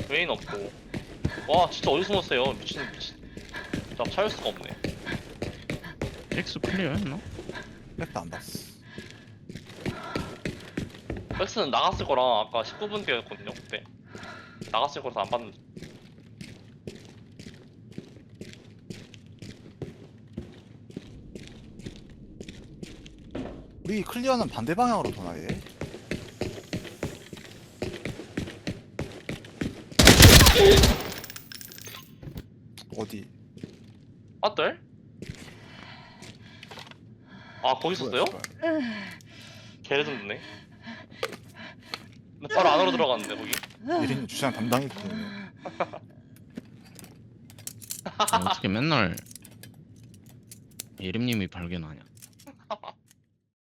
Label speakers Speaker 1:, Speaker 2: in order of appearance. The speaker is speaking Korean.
Speaker 1: 메인 없고. 와 진짜 어디 숨었어요? 미친. 나 찾을 수가 없네.
Speaker 2: X 클리어 했나?
Speaker 3: 백도 안 봤어.
Speaker 1: 백스는 나갔을 거라 아까 19분 뒤였거든요 그때. 나갔을 거라서 안 봤는데.
Speaker 3: 우리 클리어는 반대 방향으로 도나 얘. 어디?
Speaker 1: 아들? 아 거기 있었어요?
Speaker 3: 뭐야,
Speaker 1: 개레전드네. 근데 바로 안으로 들어갔는데 거기.
Speaker 3: 예린이 주차장 담당했거든요.
Speaker 2: 어떻게 맨날 예림님이 발견하냐?